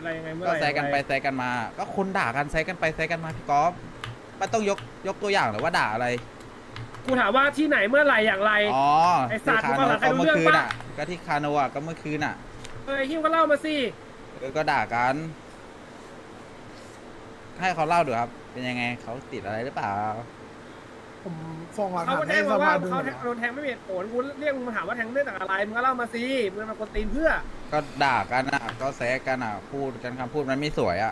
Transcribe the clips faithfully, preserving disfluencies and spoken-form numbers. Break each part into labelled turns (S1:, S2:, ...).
S1: อะไรยังไงเมื่อ
S2: ก็
S1: ไหร่
S2: แซะกันไปแซะกันมา ก็คนด่ากันแซะกันไปแซะกันมาพี่ก๊อฟมันต้องยกยกตัวอย่างหรือว่าด่าอะไร
S1: กูถามว่าที่ไหนเมื่อไหร่อย่างไร
S2: อ๋อ
S1: ไอ้สัตว์
S2: ที่
S1: มึง
S2: คา
S1: ก็
S2: โน
S1: หลังใครรู้
S2: ก็เมื่อ
S1: เรื่อง
S2: คืน
S1: ปะ
S2: อ่ะก็ที่คาโนอ่ะก็เมื่อคืนอ่ะ
S1: เฮ้ยฮิวก็เล่ามาสิ
S2: เออก็ด่ากันให้เขาเล่าดูครับเป็นยังไงเขาติดอะไรหรือเปล่า
S3: ผมส่งหลัก
S1: เขา
S3: ฐาน
S1: ก็แจ้
S3: ให้
S1: ง
S3: ส
S1: มาว่า
S3: ภาดู
S1: เขา
S3: หมดแล้ว
S1: โดนแทงไม่มีเหตุผลกูเรียกมึงมาถามว่าแทงเรื่องจากอะไรมึงก็เล่ามาสิมึงมากดตีนเพื่อ
S2: ก็ด่ากันอ่ะก็แซะกันอ่ะพูดกันคำพูดมันไม่สวยอ่ะ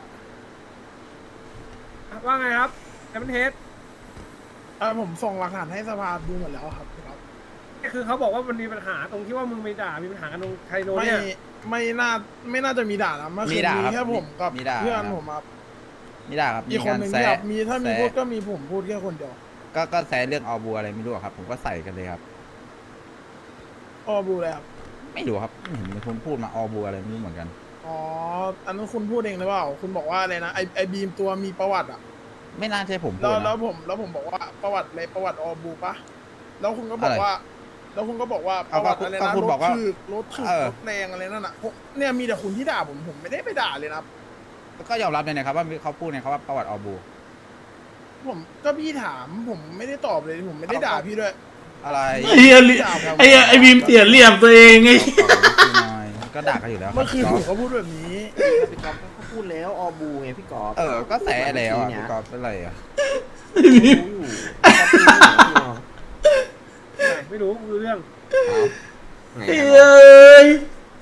S1: ว่าไงครับแอมเทส
S3: เออผมส่งหลักฐานให้สภาดูหมดแล้วครับครับ
S1: คือเขาบอกว่ามันมีปัญหาตรงที่ว่ามึงไปด่ามีปัญหากันตรงไคโน
S3: ไม่
S1: เนี่ย
S3: ไม่น่าไม่น่าจะมีด่านะเมื่อคื
S2: มี
S3: น
S2: ด่า
S3: มี
S2: ครับ
S3: แค่ผมกับ
S2: มีด่า
S3: เพื่อน
S2: ครับ
S3: ผมครับ
S2: มีด่าครับ
S3: อีกคนหนึ่ง
S2: มี
S3: ที่
S2: การ
S3: แบบ
S2: แซะ
S3: มีถ้ามี
S2: แซะ
S3: พูดก็มีผมพูดแค่คนเดียว
S2: ก็ก็แซะเรื่องออบัวอะไรไม่รู้อะครับผมก็ใส่กันเลยครับ
S3: อ้อบูเลยครับ
S2: ไม่รู้ครับไม่เห็นมีคนพูดมาออบัวอะไรไม่รู้เหมือนกัน
S3: อ๋ออันนั้นคุณพูดเองหรือเปล่าคุณบอกว่าอะไรนะไอไอบีมตัวมีประวัติอ่ะ
S2: ไม่น่าใช่ผมพู
S3: แล้
S2: ด
S3: วแล้ว
S2: นะ
S3: ผมแล้วผมบอกว่าประวัติอะไรประวัติออบูปะแล้วคุณก็บอกว่า แล้วคุณก็บอกว่าป
S2: เอา
S3: ระวัติอะไร
S2: ก็
S3: นะ
S2: คุณ
S3: ร
S2: บ
S3: ถ
S2: อกว่า
S3: ถึกรถถึก
S2: เออ
S3: รถแรงอะไรนั่นน่ะผมเนี่ยมีแต่คุณที่ด่าผมผมไม่ได้ไปด่าเลยนะครับ
S2: ก็ยอมรับเลยนะครับว่าเขาพูดเนี่ยเขาว่าประวัติออบัว
S3: ผมก็พี่ถามผมไม่ได้ตอบเลยผมไม่ได้ด่าพี่ด้วย
S2: อะไร
S4: ไอ้เหี้ยลิไอ้เหี้ยไอ้บีมเสียเหลี่ยมตัวเองไง
S2: ก็ด่ากันอยู่แล้ว
S3: เมื่อคืน
S2: รับ
S3: ผมก็พูดแบบนี้
S5: พี่ก๊อฟเขาพูดแล้วออบูไงพี่ก๊อฟ
S2: เออก็แซะแล้วอ่ะ
S5: เนี่
S2: พี่
S5: ย
S2: กอฟเป็นไรอ่ะ
S5: รู้อยู่ก๊อฟพูดอยู่
S1: ไม่รู้ไม่รู้เรื่อง
S5: ไหน
S4: เฮ้
S5: อะ
S4: ย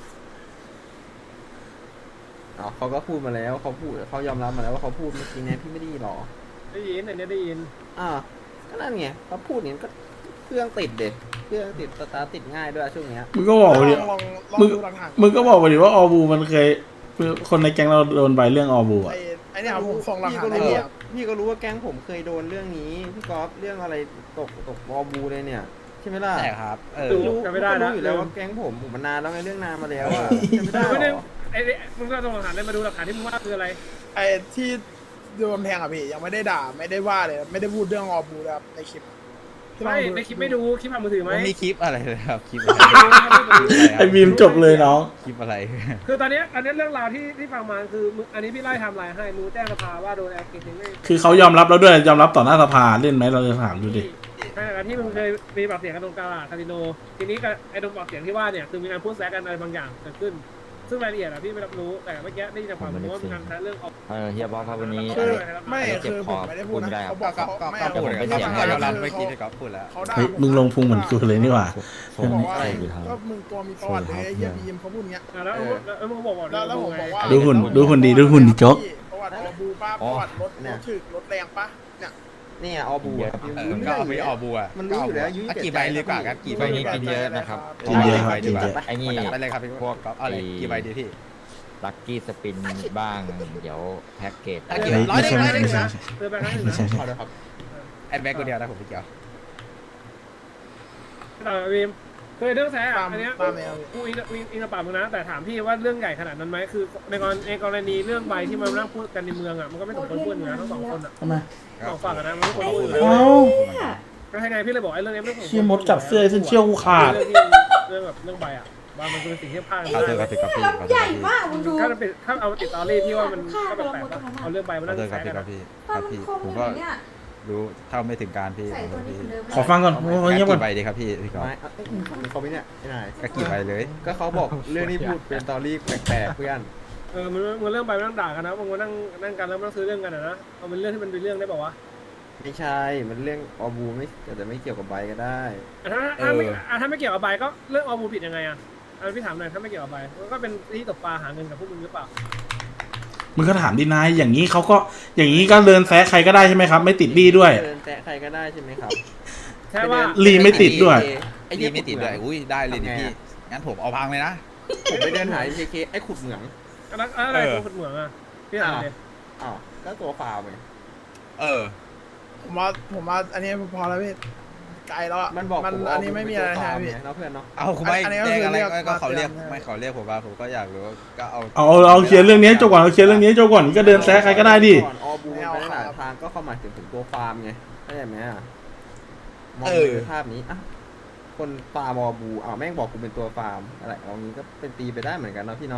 S5: อ๋อเขาก็พูดมาแล้วเขาพูดเขายอมรับมาแล้วว่าเขาพูดเมื่อกี้ไงพี่ไม่ได้ยินหรอ
S1: ได้ยินอันเนี้ยได้ยิน
S5: อ่าก็นั่นไงเขาพูดเนี่ยก็เครื่องติดเด็ดเครื่องติดสตาร์ทติดง่ายด้วยช่วงเนี้ย
S4: มึงก็บอกไป
S3: ล
S4: ดิ
S3: องลองลอง
S4: มึง
S3: ดูหลักฐาน
S4: มึงก็บอกไปดิว่าออบูมันเคยคนในแก๊งเราโดนใบเรื่องออบูอ่ะ
S3: ไอ้ไอ้เนี่ยครับผมส่งหลัก
S5: พี่
S3: ฐา
S5: ก็
S3: นให้
S5: รู้
S3: พี่
S5: ว่า
S3: ครับ
S5: พี่ก็รู้ว่าแก๊งผมเคยโดนเรื่องนี้พี่ก๊อฟเรื่องอะไรตกตกออบูเลยเนี่ยใช่ไหมล่ะ
S2: ใช่ครับเออ
S1: ดู
S5: รู้
S1: จำไม่ได้นะ
S5: รู้อยู่แล้วว่าแก๊งผมผมมันนานแล้วไงเรื่องนานมาแล้วอะจำไม่ได้
S1: ไม่
S5: ห
S1: ได้
S5: รอ
S1: ไอ้มึงก็ต้องหลักฐานได้มาดูหลักฐานที่มึงว่าคืออะไร
S3: ไอ้ที่โดนแทงอ่ะพี่ยังไม่ได้ด่าไม่ได้ว่าเลยไม่ได้พูดเรื่องออบูเลยครับในคลิปที่ลอง
S1: ไม่
S3: ดู
S1: ในคลิปไม่ดูคลิปผ่านมือถือไหม
S2: ไม่มีคลิปอะไรเลยครับคลิปอะไร
S4: ไอ้บีมจบเลยน้อง
S2: คลิปอะไร
S1: คือตอนเนี้ยตอนเนี้ยเรื่องราวที่ที่ฟังมาคือมึงอันนี้พี่ไล่ไทำลายให้มึงแจ้งสภาว่าโดนแอคเคสไม่
S4: คือเขายอมรับแล้วด้วยยอมรับต่อหน้าสภาเล่นไหมเราจะถามดูดิ
S1: ขณะที่มึงเคยมีปากเสียงกันตรงกลางคาสิโนทีนี้กับไอ้ตรงปากเสียงที่ว่าเนี่ยคือมีการพูดแซะกันอะไรบางอย่างเกิดขึ้น ซึ่งรายละเอียดอะพี่ไม่รับรู้แต่เมื่อกี้ได้ยินจากปากมึงว่ามีการแซะเรื่องออก
S6: เออเฮียบอสครับวันนี้
S3: คือ
S6: อะไร
S3: ไม่
S6: เจ็บ
S3: คือ
S6: ค
S3: ผ
S6: อ
S3: มไม่ได้พูด
S6: พูดไม่ได้
S3: นะครับ เขาบ
S2: ก็
S3: อก
S2: ก็
S3: เขา
S2: ก็
S3: ไม่
S2: ก็
S3: เอา
S2: พูด
S6: ผม
S2: กัน
S6: เป็น
S2: ก็
S6: เสียง
S2: ก็ยอมรับเมื่อกี้ที่ก๊อฟพูดแล้ว
S3: เขาด่า
S4: เฮ้ยมึงลงพุงเหมือนกูเลยนี่หว่า
S3: เขาบอกว่า
S6: อะไร
S3: ก็มึงตัวมีประวัติเลยไอ้เฮียบีมเขาพูดอย่างเงี้ย
S1: แล้วแล้วมึงบอกว่า
S3: แล้วแล้วผมบอกว่า
S4: ดูหุ่นดูหุ่นดีดูหุ่นดีโจ๊ก
S3: ประวัติออบูป้าประวัติรถรถถึกรถแรงปะเนี่ย
S5: เนี่ยออบูอะ
S2: เออก็เอาไปออบัว
S5: มันรู้อยู่แล้วอายุ
S2: อ่ะกี่ใบดีกว่าครับกี่ใบ
S6: ใบ
S2: ดี
S6: นี้กินเยอะนะครับ
S4: กินเยอะครับ
S2: ใบดีกว่า
S4: กินเยอะ
S6: ไอ้นี่
S2: ไปเลยครับพี่พวกก๊อฟเอาเลยกี่ใบดีพี่
S6: ลักกี้สปินบ้าง เดี๋ยวแพ็กเกจ
S2: อ่ะ
S4: ไม่
S2: กี่ร้อย
S4: ไม่ใช่
S2: ร้อย
S4: ไม่ใช่
S1: เตือนไปครั้งหนึ่ง
S4: ไม่ใช่
S5: ขอด้วยครับ
S2: ไอ้แบ็กคนเดียวนะผมพี่เกียว
S1: แต่วีมเคยเรื่องแซะ
S3: ตาม
S1: อันเนี้ย
S3: ตามแนว
S1: กูอินอินอินกับปากมึงนะแต่ถามพี่ว่าเรื่องใหญ่ขนาดนั้นไหมคือในกรณีในกรณีเรื่องใบที่มันนั่งพูดกันในเมืองอ่ะมันก็ไม่สมควรพูดอยู่นะทั้งสองคนอ่ะ
S4: ทำไม
S1: สองฝั่งอะนะมันไม่ควรพูดอยู่แล้ว
S4: เอ้า
S1: ก็ให้ไงพี่เลยบอกไอ้เรื่องนี้ไม่สมควร
S4: เชี่ยมดกัดเสื้อเส้นเชี่ยวกูขาด
S1: เรื่องที่เรื่องแบบเรื่องใบอ่ะว่ามันเป็นสิ่งที่พลาด
S2: ขอโทษครับพี่ก๊อฟพี่ขอโทษ
S7: ใหญ่
S2: พี่
S7: มากมึงดู
S1: ถ้ามันเป็นถ้าเอาติดตอรี่พี่ว่ามันก็แปลกๆนะเอาเรื่องใบมา
S2: ขอ
S1: นั่ง
S2: โทษครับ
S1: แซะ
S2: พี่
S1: กัน
S2: ก๊อฟ
S1: อะ
S2: พี่ค
S7: ฟั
S2: รั
S7: น
S2: บ
S7: มัน
S2: พี่
S7: คม
S2: ผม
S7: อ
S2: ก็
S7: ยู่เนี่ย
S2: รู้เท่าไม่ถึงการพี่
S7: ใส่
S2: ขอโท
S7: ตัว
S2: ษ
S7: นี้
S2: พี่
S7: เหมือนเดิม
S4: ขอฟังก่อนโอ้ยเงียบก่อน
S2: กี่ใบดีครับพี่พี่ก๊อฟ
S5: ไม่อ่ะเอ้ยมึงเขาไม่เนี่ยไอ้นาย
S2: ก็กี่ใบเลย
S5: ก็เขาบอกเรื่องนี้พูดเป็นตอรี่แปลกๆเพื่อน
S1: เออมันมันเรื่องใบมันนั่งด่ากันนะมันมานั่งนั่งกันแล้วมันซื้อเรื่องกันอะนะเอาเป็นเรื่องที่มันเป็นเรื่องได้ป่าวะ
S5: ไม่ใช่ มันเรื่องออบูไม่แต่ไม่เกี่ยวกับใบก็ได้
S1: ถ้าถ้าไม่ถ้าไม่เกี่ยวกับใบก็เรื่องออมูผิดยังไงอ่ะอันพี่ถามหน่อยถ้าไม่เกี่ยวกับใบก็เป็นที่ตกปลาหาเงินกับพวกมึงหรือเปล่า
S4: มึงก็ถามดีนายอย่างนี้เขาก็อย่างนี้ก็เดินแซะใครก็ได้ใช่ไหมครับ ไม่ติดบี้ด้วย
S5: เดินแตะใครก็ได้ใช่ไหมครับ
S1: แค่ว่า
S4: ลีไม่ติดด้วย
S2: ไอ้นี่ไม่ติดเลยอุ้ยได้เลยดิพี่งั้นผมเอาพังเลยนะ
S5: ผมไปเดินหาเคเคไอ้ขุดเหมือง
S1: อันนั้นอะไรตัวขุดเหมืองอ่ะพี่ถามเลย
S5: อ้าวก็ตัวฟาวไง
S2: เออ
S3: ผมว่าผมว่าอันนี้พอแล้วพี่ไกลแล้วอะ
S5: มันบอก
S3: มัน
S5: ผม
S3: อันนี้ไม่มีอะไร
S5: เป็นตัว
S3: ใช่
S5: ฟาว
S3: ไหมพี่
S5: ไงเนาะเพื่อนเนาะ
S2: เอาคุณไม่
S3: อันนี้ก็
S2: แจ้ง
S3: คือ
S2: อะไร
S3: เรียก
S2: ก็เขาเรียก
S3: มาเตือน
S2: ไม่เขาเรียกผมว่าผมก็อยากรู้ก็เอา
S4: เอาเอาเคลียร์เรื่องนี้จบก่อนเอาเคลียร์เรื่องนี้จบก่อนก็เดินแซะใครก็ได้ดิ
S5: ก่อนออบูมันไปได้หลายทางก็เข้ามาถึงถึงตัวฟาร์มไงเข้าใจไหมอะมอง
S2: เออ
S5: ในภาพนี้อ่ะคนฟาร์มออบูอ้าวแม่งบอกกูเป็นตัวฟาร์มอะไรเอางี้ก็เป็นตีไปได้เหมือนกันเนาะพี่เนาะ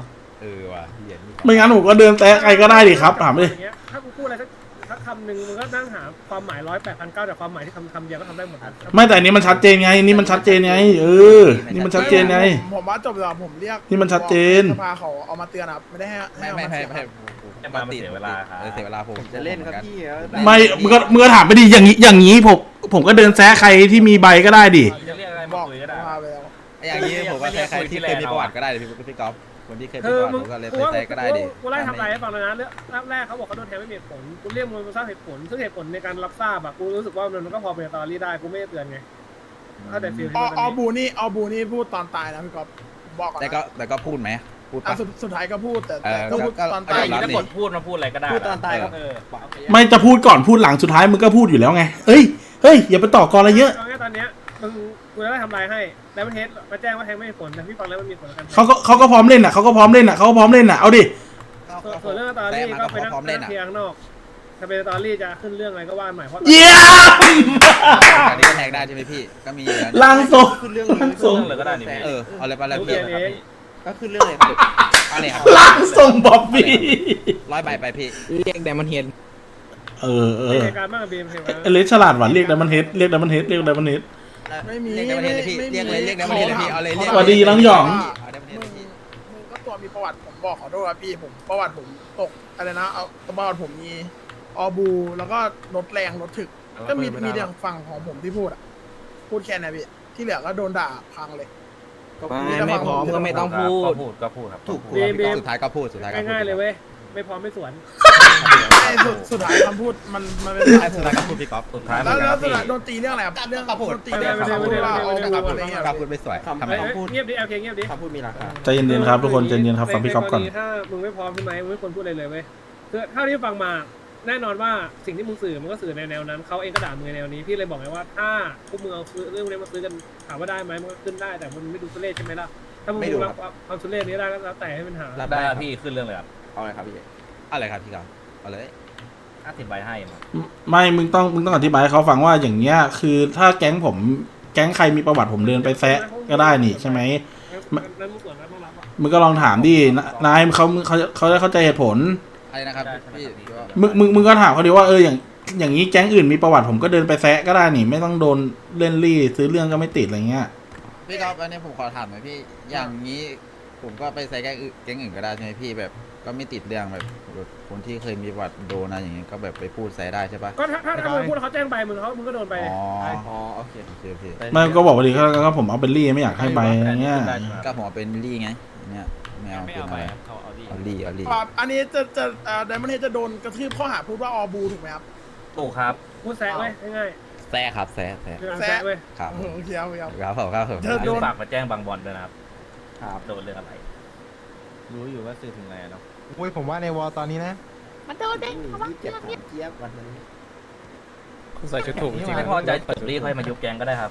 S2: เออว่ะเหี้ยนี่
S4: ไม่งั้นผมก็เดินแซะใครก็ได้ดิครับถามดิ
S1: อย่างเงี้ยถ้ากูพูดอะไรสักสักคำหนึ่งมึงก็นั่งหาความหมายร้อยแปดพันเก้าแต่ความหมายที่คำคำเดียวก็ทำได้หมดนะ
S4: ไม่แต่อันนี้มันชัดเจนไงนี่มันชัดเจนไงเออนี่มันชัดเจนไง
S3: ผมผมว่าจบแล้วผมเรียก
S4: นี่มันชัดเจน
S3: สภาเขาเอามาเตือนครับไม่ได้ให้ให้
S2: ไม่
S3: เอา
S2: ไม่
S3: มา
S2: ไม่
S3: เสีย
S2: ไม่
S3: ครับ
S2: ผมผมเสียเวลาครับเสียเวลาผม
S5: ผมจะเล่นครับพี่
S4: ไม่มึงก็มึงก็ถามไปดิอย่างนี้อย่างนี้ผมผมก็เดินแซะใครที่มีใบก็ได้ดิ
S1: จะเรียกอะไร
S3: บ
S1: มา
S3: อก
S1: คุยก็ได้
S3: พาไปแล้ว
S2: อย่างนี้ผมว่าใครๆที่เคยมีประวัติก็ได้พี่พี่ก๊อฟคนที่เคยมี
S1: คือ
S2: ประวัติ
S1: มึง
S2: ผมก็เลย
S1: กู
S2: ไป
S1: ว่า
S2: แซะก็ได้ดิ
S1: กูไล่ทำลายให้ฟังแล้วนะเรื่องรอบแรกเขาบอกเขาโดนแทงไม่มีเหตุผลกูเรียกมึงมาสร้างเหตุผลซึ่งเหตุผลในการรับทราบอะกูรู้สึกว่ามันก็พอเป็นตอรี่ได้กูไม่ได้เตือนไงถ้าแต่ฟีล
S3: อ
S1: ที่มัน
S3: อ
S1: เป็น
S3: บูนี่ออบูนี่พูดตอนตายนะพี่ก๊อฟบอกก่อน
S2: แต่
S3: นะ
S2: ก็แต่ก็พูดไหมพูด
S3: อ่ะ
S2: ปะ
S3: สุดสุดท้ายก็พูดแต่
S2: เอ
S3: แต่
S2: อ
S3: ก็พูด
S2: ก็
S3: ตอน
S2: ก็
S3: ตาย
S2: ยอมรับ
S1: ถ้ากดพูดมาพูดอะไรก็ได้
S5: พูดตอนตายครับ
S1: เออ
S4: ไม่จะพูดก่อนพูดหลังสุดท้ายมึงก็พูดอยู่แล้วไงเอ้ยเฮ้ยอย่าไปต่อกรอะไรเยอะ
S1: เอางี้ตอนเนี้ยมึงกูจะได้ทำลายให้แล้วมันเทสมาแจ้งว่าแทงไม่มีผลแต่พี่ฟังแล้วมันมีผลกัน
S4: เขาก็เขาก็พร้อมเล่นอ่ะเขาก็พร้อมเล่นอ่ะเขาก็พร้อมเล่นอ่ะเอาดิ
S1: ส่วนเรื่องตอรี่
S2: แซะมา
S1: ก็
S2: ก็
S1: ไปนั่ง
S2: พร้อมเล่น
S1: นั่ง
S2: อ่ะ
S1: เคลียร์ข้างนอกถ้าเป็นตอรี่จะขึ้นเรื่องอะไรก็ว่าใหม่เพราะ
S4: เยี่ยม
S2: อันนี้ก็แทงได้ใช่ไหมพี่ก็มีอยู่แล้ว
S4: ล่างทรง
S5: ขึ้นเรื่อง
S4: ล่างทรง
S5: เลยก็ได้นี่
S2: เออเอาเลยไปเลย
S1: กู
S2: พี่
S1: เขียนเอง
S5: ก็ขึ้นเรื่องเลยครับ
S2: เอาเลยครับ
S4: ล่างทรงบ๊อบบี้
S2: ร้อยใบไปพี่
S6: เรียกไดมอนเฮด
S4: เออเอ
S1: มี
S4: อ
S1: เหตุการณ์บ้างกับบีมเห็นไหม
S4: เอเลสฉลาดหวานเรียกไดมันเฮดเรียกไดมันเฮดเรียกไดมันเฮด
S3: ไม่มี
S2: เรียกได้ประเทศเลยพี่
S3: ไม่มี
S2: เรียกเลยเรียกได้ประเทศเลยพี่เอาเลยเรียก
S4: สวัสดีน้องหยอง
S2: เอาได้ประเทศ
S3: มึ
S2: เล
S3: ง
S2: ยพี่
S3: มึงก็ตัวมีประวัติผมบอกขอโทษครับพี่ผมประวัติผมตกอะไรนะเอาประวัติผมมีออบูแล้วก็รถแรงรถถึก ก็มีมีแต่ฝั่งของผมที่พูดอ่ะพูดแค่นั้นพี่ที่เหลือก็โดนด่าพังเลย
S6: ไม่ไม่พร้อมก็ไม่ต้องพูด
S7: พูดก็พูดครับ
S2: ถูก
S1: บีมบีม
S2: สุดท้ายก็พูดสุดท้ายก็พูด
S1: ง่ายๆเลยเว้ยไม่พร้อมไม่สวน
S3: ไอ้สุดสุดท้ายคำพูดมันมันเป็น
S2: สุดท้ายสุดท้ายก็พูดพี่ก๊อฟ
S7: สุดท้าย
S3: แล้วแล้วสุด
S7: พี่
S3: ท้ายโดนตีเรื่องอะไรครับเรื่อง
S2: ก็พูด
S3: โดนตีเรื่องคำพูดว่าออบูอะไรเงี้ย
S2: ก็พูดไม่สวย
S5: คำ
S2: ทำไม
S1: เฮ้ย
S5: พูด
S1: เงียบดิโอเคเงียบดิ
S5: คำพูดมีราคา
S4: ใจเย็นๆครับทุกคนใจเย็นๆครับฟังพี่ก๊อฟก่อน
S1: ในรณีถ้ามึงไม่พร้อมใช่ไหมมึงไม่ควรพูดอะไรเลยเว้ยคือเท่าที่ฟังมาแน่นอนว่าสิ่งที่มึงสื่อมันก็สื่อในแนวนั้นเขาเองก็ด่ามึงในแนวนี้พี่เลยบอกไงว่าถ้าพวกมึงเอาเรื่องนี้มาซื้อกันถามว่าได้ไหมมันก็ขึ้นได้แต่มันไม่ดูทุเรศใช่ไหมล่ะถ้ามึงดูรับความทุเรศนี้ได้ก็แล้วแต่ให้มันหา
S2: รับ
S7: ได้
S2: ได้
S7: ครับพี่ขึ้นเรื่องเลยครับ
S5: เอาเลยครับพี่
S2: อะไรครับพี่ก๊อฟเอาเลย
S7: ห้าสิบใบให้มา
S4: ไม่มึงต้องมึงต้องอธิบายให้เขาฟังว่าอย่างเงี้ยคือถ้าแก๊งผมแก๊งใครมีประวัติผมเดินไปแซะก็ได้นี่ใช่ไหม
S1: แล้วมึงส่วนนั้นต้องรับอ่ะ
S4: มึงก็ลองถามดินนายเขาเขาเขาจะเข้าใจเหตุผล
S2: อะไรนะครับพี่
S4: มึงมึงมึงก็ถามเขาดิว่าเอออย่างอย่างนี้แก๊งอื่นมีประวัติผมก็เดินไปแซะก็ได้นี่ไม่ต้องโดนเล่นรี่ซื้อเรื่องก็ไม่ติดอะไรเงี้ย
S2: พี่ก๊อฟอันนี้ผมขอถามหน่อยพี่อย่างนี้ผมก็ไปใส่แก๊งอื่นแก๊งอื่นก็ได้ใช่ไหมพี่แบบก็ไม่ติดเรื่องแบบแบบคนที่เคยมีประวัติโดนนะอย่างเงี้ยก็แบบไปพูดใส่ได้ใช่ปะ
S1: ก็ถ้าถ้าถ้ามึงพูดแล้วเขาแจ้งไปมึงเขามึงก็โดนไป
S2: อ๋อ
S5: อ๋อโอเค
S2: โอเคโอเค
S4: ไม่ก็บอกว่าดิก็ก็ผมเอาเป็นรี่ไม่อยากให้ใบอะไรเงี้ย
S2: ก็ผมเอาเป็นลี่ไงเนี่ยไม่เอาเป็นอะไรเอาลี่เอาลี่
S3: ครับอันนี้จะจะไดมอนเฮดจะโดนกระทืบข้อหาพูดว่าออบูถูกไหมครับ
S7: ถูกครับ
S1: พูดแซะไว้ง่าย
S2: แซ่ครับแซ่แซ่
S1: ๆคือการแซะเว้ย
S2: ครับ
S3: โอเคครับครับ
S2: ครับผมครับผม
S3: เธอโดน
S7: ฝากมาแจ้งบางบอลด้วยนะครับ
S5: ครับ
S7: โดนเรื่องอะไร
S6: รู้อยู่ว่าสื่อถึงอะไรเนาะ
S8: อุ้ยผมว่าในวอลตอนนี้นะ
S9: มันโดนเด้งเขาว่า
S5: ยี่สิบเจ็ดถามเจี๊ยบวันนั้น
S6: คุณใส่ชุดถูกจริง
S7: ไม่พอใจเปิดรีค่อยมายุบแกงก็ได้ครับ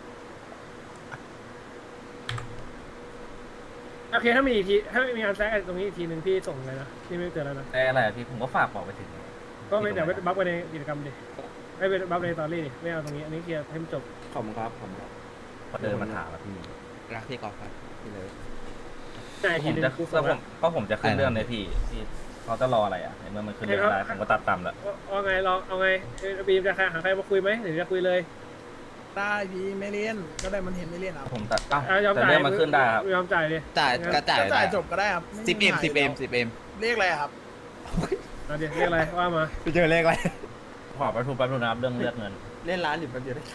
S1: โอเคถ้ามีอีกทีถ้ามีการแซะกันตรงนี้อีกทีหนึ่งพี่ส่งเลยนะพี่ไม่เตือนแล้วนะ
S7: แต่อะไรอะพี่ผมก็ฝากบอกไปถึง
S1: ก็ไม่เดี๋ยวไปบัฟไปในกิจกรรมดิไม่ไปบัฟในตอรี่ดิไม่เอาตรงนี้อันนี้เคลียร์ให้มันจบ
S5: ขอบคุณครับขอบคุณครับ
S7: พอเดินมาถามอะพี่
S2: รักพี่กอล์ฟครับพี่เลย
S1: แต่
S7: ผ
S1: ที
S7: ม
S1: นึง
S7: จะ
S1: กู
S7: ก็
S1: ส่ง
S7: ผ
S1: แล้ว
S7: มก็ผมจะขึ้นเรื่องเลยพี่พี่เขาจะรออะไรอ่ะในเมื่อมันขึ้นเรื่องได้ผมก็ตัดต่ำแล้ว
S1: เอาไงลองเอาไงบีมจะหาใครมาคุยไหมหรือจะคุยเลย
S3: ได้พี่ไม่เล่นก็ได้มันเห็นไม่เล่นครับ
S7: ผมตัดอ่ะ
S1: เอายอม
S7: แต่
S1: จ่าย
S7: เรื่องมันขึ้นได้ครับ
S1: ยอมจ่ายดิ
S2: จ่ายก็จ่าย
S3: ก็จ่ายจบก็ได้ครับไ
S2: สิบเอ็มสิบเอ็มสิบเอ็ม
S3: เลขอะไรครับ
S1: เอาดิเรียกอะไรว่ามา
S2: ไปเจอเลขอะไร
S7: ขอประทุมแป๊บนึงนะครับเรื่องเลือกเงิน
S5: เล่นร้านอยู่แป๊บเดียวได้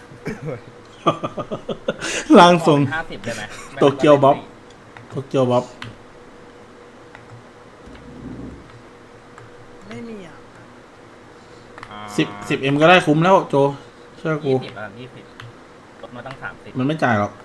S4: ล่างทรง
S7: ห้าสิบได้ไหม
S4: โตเกียวบ๊อบ โตเกียวบ๊อบ
S3: ไม่มีอ่ะ
S4: สิบสิบเอ็มก็ได้คุ้มแล้วโจเชื่อกู
S7: ยี่สิบอ่ะยี่สิบลดมาตั้งสามสิบ
S4: มันไม่จ่ายหรอก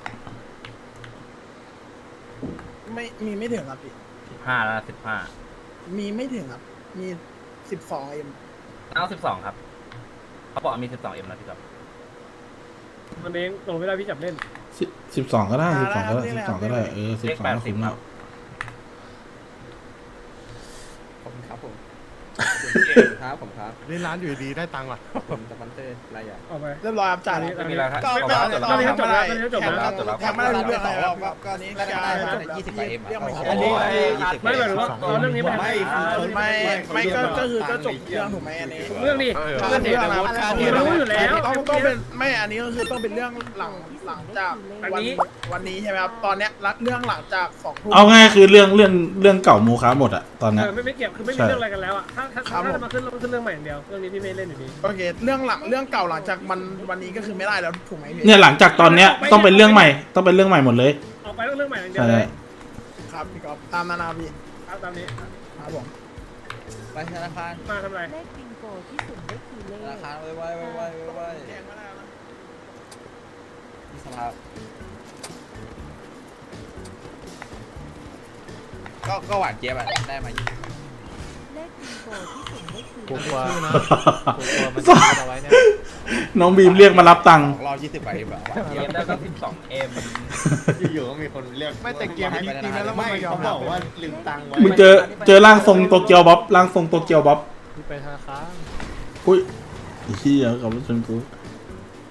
S3: ไม่มีไม่ถึงครับพี่
S7: สิบห้าแล้วสิบห้า
S3: มีไม่ถึงครับมีสิบสองเอ็ม
S7: เอาสิบสองครับเขาบอกมีสิบสองเอ็มนะพี่ครับ
S1: มันเองลงไม่ได้พี่จับเล่น
S4: สิบสิบสองก็ได้สิบสองก็ได้สิบสองก็ได้เออสิบสองก็คุ้มแล้ว
S5: ขอบคุณครับผม
S4: อ
S5: ครับผมครับ
S8: นี่ร้านอยู่ดีๆได้ตังค์ว่ะ
S5: ผมสปอนเซอร์รายใหญ่
S1: ออกไป
S3: เรียบร้อยครับจ่าย
S1: อันนี้
S7: ไม่มีแล้วครับ
S3: ก็
S7: ขอบ
S3: ก็
S7: คุณครับ
S3: ตอนนี้
S1: จบแล้ว
S3: ทำไม่ได้
S1: จบแล้ว
S3: แทงไม่ได้รู้เรื่องอะไรครับก็อันนี้
S2: ได้
S3: แค่
S2: ได้
S3: ได้
S2: ได้ยี่สิบกว่าเอ็ม
S3: เรื่องไม่ใช่
S2: อันนี้ยี่สิบ
S1: ไม่หมายถึงว่าเอาเรื่องนี้มา
S3: ไม่ไม่ไม่ก็ก็คือก็จบเรื่องถูกไหมอันนี้
S1: เรื่องนี้
S3: เรื่องเรื่องนะ
S1: พี่รู้อยู่แล้ว
S3: ต้องต้องเป็นไม่อันนี้ก็คือต้องเป็นเรื่องหลังหลังจากวันวันนี้ใช่ไหมครับตอนเนี้ยเรื่องหลังจากสองทุ่ม
S4: เอาง่ายคือเรื่องเรื่องเรื่องเก่าโมคะหมดอะตอน
S1: เอ
S4: เนี้ย
S1: อไม่ไม่เกี่ยวคือไม่มี
S4: ใช่
S1: เรื่องอะไรกันแล้วอ่ะถ้าถ้าถ้าจะมาขึ้นขึ้นเรื่องใหม่อย่างเดียวเรื่องนี้พี่ไม่เล่นอยู่ดี
S3: โอเคเรื่องหลังเรื่องเก่าหลังจากวันวันนี้ก็คือไม่ได้แล้วถูกไหมพี่
S4: เนี่ยหลังจากตอนเนี้ยต้องเป็นเรื่องใหม่ต้องเป็นเรื่องใหม่หมดเลย
S1: ออกไปเรื่องเรื่องใหม่อย่างเดียว
S4: ใช่
S1: เลย
S3: ครับพี่ก๊อฟตามนานาพี่
S1: เอาตามนี้
S3: ครับผม
S2: ไปธนาคาร
S1: มาทำอะไร
S9: เลขบิงโกที่สุ่มได้คือเล
S2: ธนา
S9: ข
S2: คารไว้ไว้ไว้ไว้ไว้
S3: แทงไม่ได้นะ
S2: ที่สภาก็ก็หวานเจี๊ยบอะได้มายี่สิบ
S9: เลขบิงโกที่สุ่มได้คือ
S8: ผม
S9: เล
S8: กลัว
S9: ข
S8: นะผมกลัวมันจะเอาไว้เนี่ย
S4: น้องบีมเรียกมารับตังค์
S2: รอบยี่สิบกว่าเอ็มอะหวาน
S7: เก
S2: เจี๊ย
S7: ม
S2: บ
S7: ได้ก็สิบสองเอ็ม
S8: อยู่ๆก็มีคนเรียกไม่แต่เกมจริงๆแล้วมันไม่เขาบอกว่าลืมตังค์ไว้
S4: มึงเจอเจอร่างทรงโตเกียวบ๊อบร่างทรงโตเกียวบ๊อบ
S8: ไปธนาคาร
S4: อุ้ยไอ้เหี้ยกับรถชนกู
S9: เ